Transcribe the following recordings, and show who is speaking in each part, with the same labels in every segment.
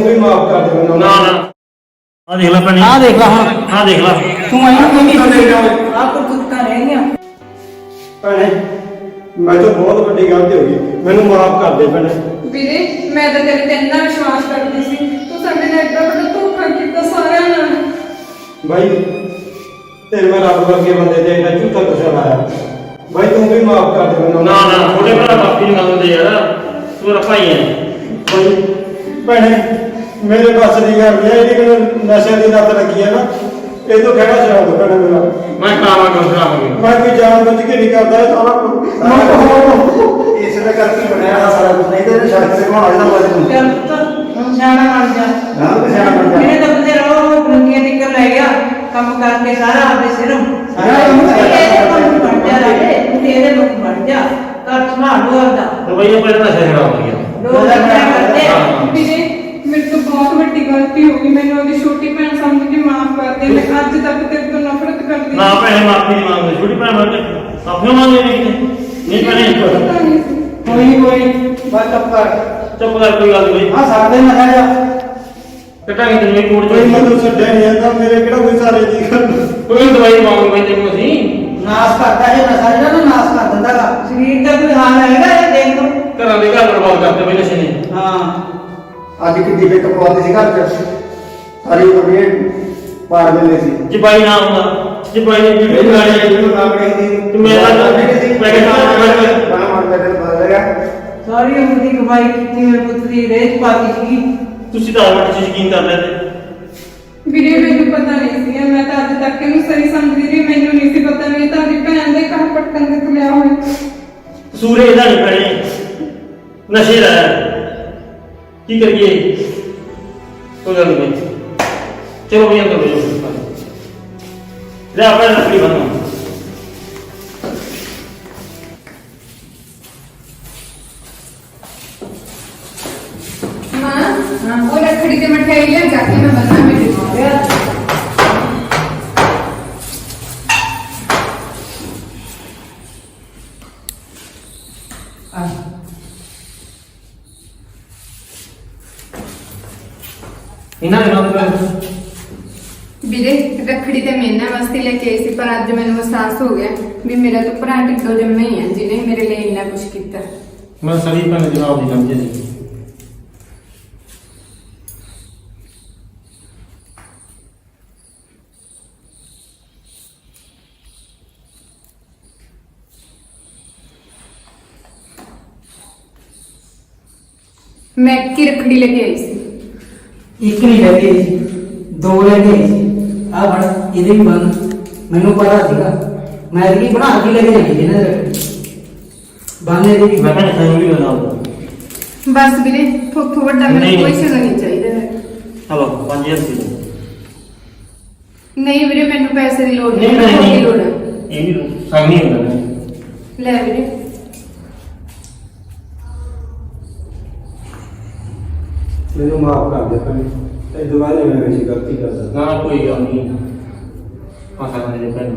Speaker 1: भी माफ कर दे मैनू।
Speaker 2: ना ना आ देख ला भैने,
Speaker 3: आ देख ला हुण
Speaker 2: आ देख ला
Speaker 3: तू मैनू किंदी ले जा आप कुत्ता रह गया
Speaker 1: भैने मैं तो बहुत बड़ी गलती हो गई, मैनू माफ कर दे भैने।
Speaker 4: ਵੀਰੇ ਮੈਂ ਤਾਂ ਤੇਰੇ ਤੇ ਇੰਨਾ ਵਿਸ਼ਵਾਸ ਕਰਦੀ ਸੀ, ਤੂੰ ਸਾਡੇ ਨਾਲ ਏਡਾ ਵੱਡਾ ਧੋਖਾ ਕੀਤਾ ਸਾਰਿਆਂ ਨਾਲ।
Speaker 1: भाई तेरे मैं रब वर्गे बंदे ते एडा झूठा गुस्सा लाया भाई, तू भी माफ कर दे मैनू।
Speaker 2: ना ना छोटे भरा माफी नहीं मांगते यार, तू मेरा भाई है।
Speaker 1: भाई भैने मेरे बस की गल नहीं है, ये नशे की लत लगी है ना, ये तो खड़ा छड़ा दो भैने मेरा।
Speaker 2: मैं करावांगा
Speaker 1: मैं कोई जान बुझ के नहीं करता है सारा इसने करके बनाया सारा कुछ, नहीं तो शर्त से कौन आजा बात तू
Speaker 3: चल पुत्त हम सियाणा बन जा।
Speaker 1: हां सियाणा बन जा।
Speaker 3: मेरे तो बंदे रहो बुलंदियां निकल ले गया काम करके सारा अपने सिरों सारा काम बन जा रे, तू तेरे लोग बन जा कर संभाल लो अपना
Speaker 2: तो भैया पहले नशा छड़ा हो गया।
Speaker 3: लोग क्या करते
Speaker 4: ਵੀਰੇ ਮੇਰੇ ਤੋਂ ਬਹੁਤ ਵੱਡੀ ਗਲਤੀ ਹੋ ਗਈ, ਮੈਨੂੰ ਉਹਦੀ ਛੋਟੀ ਭੈਣ ਸਮਝ ਕੇ ਮਾਫ ਕਰ ਦੇ। ਮੈਂ ਅੱਜ ਤੱਕ ਤੇਰੇ ਤੋਂ ਨਫ਼ਰਤ ਕਰਦੀ
Speaker 2: ना भैने माफी नहीं मांगते, छोटी भैन मांगते अपने मांगे नहीं भैने
Speaker 4: पता नहीं सी।
Speaker 3: कोई बात चुप कर
Speaker 2: चुप कर, कोई गल नहीं।
Speaker 3: हां साथ में ना जा
Speaker 2: कटांगे तेरे कोड
Speaker 1: कोई मतलब छड्डे नहीं है तो मेरे केड़ा कोई सारे दी कर
Speaker 2: कोई दवाई मांगो मैं तेनू असी
Speaker 3: नाश करता है नशा जेड़ा ना नाश कर दिंदा गा शरीर का कोई हाल हैगा ये देख लो
Speaker 2: घरां दे घर बर्बाद करते पहले नशे ने।
Speaker 3: हां
Speaker 1: ਅੱਜ ਕਿੱਡੀ ਬੇਕ ਪਵਾਉਂਦੀ ਸੀ ਘਰ ਚ ਸਾਰੀ ਉਮਰ ਪਾਰ ਦਿੰਦੇ ਸੀ।
Speaker 2: ਜੇ ਬਾਈ ਨਾ ਹੁੰਦਾ, ਜੇ ਬਾਈ ਨੇ ਵੀਡੀਓ ਬਣਾ ਲਈ
Speaker 1: ਇਹਨੂੰ ਨਾ ਬੜੀ ਸੀ
Speaker 2: ਤੇ ਮੇਰਾ ਤਾਂ ਪੈਕੇਟ
Speaker 1: ਬਣਾ ਮਾਰ ਕੇ ਬਦਲ ਗਿਆ।
Speaker 3: ਸਾਰੀ ਉਮਰ ਦੀ ਕਮਾਈ ਕੀਤੀ ਮੇਰੇ ਪੁੱਤ ਦੀ ਰੇਤ ਪਾਤੀ ਸੀ
Speaker 2: ਤੁਸੀਂ ਤਾਂ ਆਵਟ ਚ ਯਕੀਨ ਕਰ ਲੈਂਦੇ।
Speaker 4: ਵੀਰੇ ਮੈਨੂੰ ਪਤਾ ਨਹੀਂ ਸੀ, ਮੈਂ ਤਾਂ ਅੱਜ ਤੱਕ ਇਹਨੂੰ ਸਹੀ ਸਮਝਦੀ ਰਹੀ, ਮੈਨੂੰ ਨਹੀਂ ਸੀ ਪਤਾ ਨਹੀਂ ਤੁਹਾਡੀ ਭੈਣ ਦੇ ਘਰ ਪਟਕਣ ਦੇ ਤੁਲਿਆ ਹੋਇਆ।
Speaker 2: ਕਸੂਰ ਇਹਦਾ ਨਹੀਂ ਭੈਣੇ, ਨਸ਼ੇ ਦਾ ਹੈ। ਕੀ ਕਰੀਏ, ਕੋਈ ਗੱਲ ਨਹੀਂ। ਚਲੋ ਵੀ ਅੰਦਰ ਬੈਠੋ, ਲੈ ਆਪਣਾ ਲੱਕੜੀ ਬੰਨੋ।
Speaker 4: मां वो रखड़ी के मिठाई ले जाके मैं बना में दिखाऊंगा।
Speaker 2: ਇਹਨਾਂ ਦੇ ਨਾਲ
Speaker 4: ਵੀਰੇ ਰੱਖੜੀ ਤੇ ਮੈਨਾਂ ਵਾਸਤੇ ਲੈ ਕੇ ਆਈ ਸੀ, ਪਰ ਅੱਜ ਮੈਨੂੰ ਅਹਿਸਾਸ ਹੋ ਗਿਆ ਵੀ ਮੇਰਾ ਤਾਂ ਭਰਾ ਢਿੱਡੋਂ ਜੰਮੇ ਹੀ ਆ ਜਿਹਨੇ ਮੇਰੇ ਲਈ ਇੰਨਾ ਕੁਝ ਕੀਤਾ।
Speaker 2: ਮੈਂ ਸਰੀ ਭੈਣ ਜਵਾਬ ਨਹੀਂ ਸਮਝੇ ਸੀ।
Speaker 4: मैं की रखड़ी लेके आई सी।
Speaker 3: ਇੱਕ ਨਹੀਂ ਲੈ ਗਈ ਸੀ ਦੋ ਲੈ ਗਈ ਸੀ ਆ ਬਣ ਇਹਦੇ ਵੀ ਬਣ ਮੈਨੂੰ ਪਤਾ ਸੀਗਾ ਮੈਂ ਇਹਦੀ ਬਣਾ ਕੇ ਲੈ ਕੇ ਜਾਣੀ ਸੀ ਨਾ ਬਾਨੇ ਦੀ ਵੀ
Speaker 2: ਮੈਂ ਭੈਣ ਸਾਨੂੰ ਵੀ ਬਣਾ
Speaker 4: बस ਵੀਰੇ ਥੋੜਾ ਵੱਡਾ ਮੈਨੂੰ
Speaker 2: नहीं।
Speaker 4: ਕੋਈ ਸ਼ਗਨ ਨਹੀਂ ਚਾਹੀਦਾ ਹੈ।
Speaker 2: ਚਲੋ 5000 ਸੀ।
Speaker 4: ਨਹੀਂ ਵੀਰੇ ਮੈਨੂੰ ਪੈਸੇ ਦੀ ਲੋੜ
Speaker 2: ਨਹੀਂ
Speaker 4: ਨਹੀਂ,
Speaker 2: ਨਹੀਂ
Speaker 4: ਮੈਨੂੰ ਲੋੜ ਹੈ।
Speaker 2: ਇਹ ਵੀ ਸੰਗ ਨਹੀਂ ਹੁੰਦਾ।
Speaker 4: ਲੈ ਵੀਰੇ
Speaker 1: ਮੈਨੂੰ ਮਾਫ ਕਰ ਦੇ ਭੈਣੇ, ਇਹ ਦੁਬਾਰਾ ਮੈਂ ਕੋਈ ਗਲਤੀ ਕਰਦਾ।
Speaker 2: ਨਾ ਕੋਈ ਗੱਲ ਨਹੀਂ, ਆਸਾ ਕਰਨੇ ਭੈਣ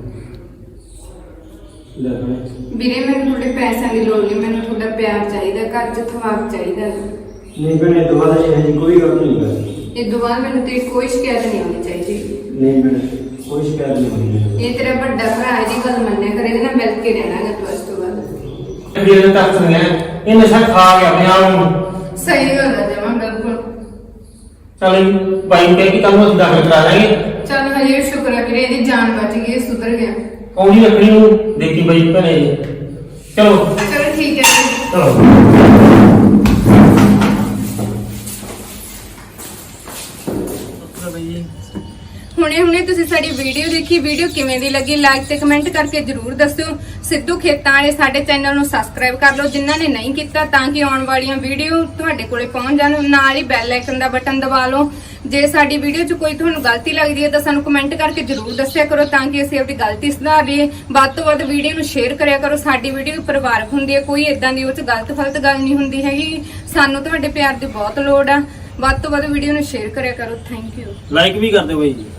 Speaker 1: ਲੈ ਭੈਣੇ
Speaker 4: ਵੀਰੇ ਮੈਨੂੰ ਤੁਹਾਡੇ ਪੈਸਿਆਂ ਦੀ ਲੋੜ ਨਹੀਂ, ਮੈਨੂੰ ਤੁਹਾਡਾ ਪਿਆਰ ਚਾਹੀਦਾ, ਘਰ ਚ ਥਵਾਕ ਚਾਹੀਦਾ।
Speaker 1: ਨਹੀਂ ਭੈਣੇ ਦੁਬਾਰਾ ਇਹ ਕੋਈ ਗੱਲ ਨਹੀਂ ਕਰਦੀ।
Speaker 4: ਇਹ ਦੁਬਾਰਾ ਮੈਨੂੰ ਤੇਰੀ ਕੋਈ ਸ਼ਿਕਾਇਤ ਨਹੀਂ ਆਉਣੀ ਚਾਹੀਦੀ।
Speaker 1: ਨਹੀਂ ਭੈਣੇ ਕੋਈ ਸ਼ਿਕਾਇਤ ਨਹੀਂ ਹੋਣੀ।
Speaker 4: ਇਹ ਤੇਰਾ ਵੱਡਾ ਭਰਾ ਇਹਦੀ ਗੱਲ ਮੰਨਿਆ ਕਰ, ਇਹਦੇ ਨਾਲ ਮਿਲ ਕੇ ਰਹਿਣਾ ਗਾ ਤੂੰ ਇਸ ਤੋਂ ਬਾਅਦ।
Speaker 2: ਵੀਰੇ ਤੱਕ ਸੁਣਿਆ ਇਹ ਨਸ਼ਾ ਖਾ ਗਿਆ ਆਪਣੇ ਆਪ ਨੂੰ।
Speaker 4: ਸਹੀ ਗੱਲ ਹੈ ਜਮਾਂ ਬਿਲਕੁਲ।
Speaker 2: ਚਲ ਬਾਈ ਨੂੰ ਕਹਿ ਕੇ ਤੁਹਾਨੂੰ ਅਸੀਂ ਦਾਖਲ ਕਰਾ ਦਾਂਗੇ।
Speaker 4: ਚੱਲ ਹਜੇ ਸ਼ੁਕਰ ਹੈ ਵੀਰੇ ਇਹਦੀ ਜਾਨ ਬਚ ਗਈ, ਇਹ ਸੁਧਰ ਗਿਆ।
Speaker 2: ਕੌਣੀ ਲੱਕੜੀ ਨੂੰ ਦੇਖੀ ਬਾਈ ਭੈਣੇ। ਚਲੋ
Speaker 4: ਚਲੋ ਠੀਕ ਹੈ ਜੀ।
Speaker 2: ਚਲੋ
Speaker 4: ਹੁਣੇ ਤੁਸੀਂ ਸਾਡੀ ਵੀਡੀਓ ਦੇਖੀ, ਵੀਡੀਓ ਕਿਵੇਂ ਦੀ ਲੱਗੀ ਲਾਈਕ ਤੇ ਕਮੈਂਟ ਕਰਕੇ ਜਰੂਰ ਦੱਸਿਓ। ਸਿੱਧੂ ਖੇਤਾਂ ਵਾਲੇ ਸਾਡੇ ਚੈਨਲ ਨੂੰ ਸਬਸਕ੍ਰਾਈਬ ਕਰ ਲਓ ਜਿਨ੍ਹਾਂ ਨੇ ਨਹੀਂ ਕੀਤਾ, ਤਾਂ ਕਿ ਆਉਣ ਵਾਲੀਆਂ ਵੀਡੀਓ ਤੁਹਾਡੇ ਕੋਲੇ ਪਹੁੰਚ ਜਾਣ। ਨਾਲ ਹੀ ਬੈਲ ਆਈਕਨ ਦਾ ਬਟਨ ਦਬਾ ਲਓ। ਜੇ ਸਾਡੀ ਵੀਡੀਓ 'ਚ ਕੋਈ ਤੁਹਾਨੂੰ ਗਲਤੀ ਲੱਗਦੀ ਹੈ ਤਾਂ ਸਾਨੂੰ ਕਮੈਂਟ ਕਰਕੇ ਜਰੂਰ ਦੱਸਿਆ ਕਰੋ, ਤਾਂ ਕਿ ਅਸੀਂ ਆਪਣੀ ਗਲਤੀ ਸੁਧਾਰ ਲਈਏ। ਵੱਧ ਤੋਂ ਵੱਧ ਵੀਡੀਓ ਨੂੰ ਸ਼ੇਅਰ ਕਰਿਆ ਕਰੋ। ਸਾਡੀ ਵੀਡੀਓ ਪਰਿਵਾਰਕ ਹੁੰਦੀ ਹੈ, ਕੋਈ ਇਦਾਂ ਦੀ ਉਹ 'ਚ ਗਲਤ ਗੱਲ ਨਹੀਂ ਹੁੰਦੀ ਹੈਗੀ। ਸਾਨੂੰ ਤੁਹਾਡੇ ਪਿਆਰ ਦੀ ਬਹੁਤ ਲੋੜ ਆ। ਵੱਧ ਤੋਂ ਵੱਧ ਵੀਡੀਓ ਨੂੰ ਸ਼ੇਅਰ ਕਰਿਆ ਕਰੋ। Thank you.
Speaker 2: ਲਾਈਕ ਵੀ ਕਰ ਦਿਓ ਬਾਈ ਜੀ।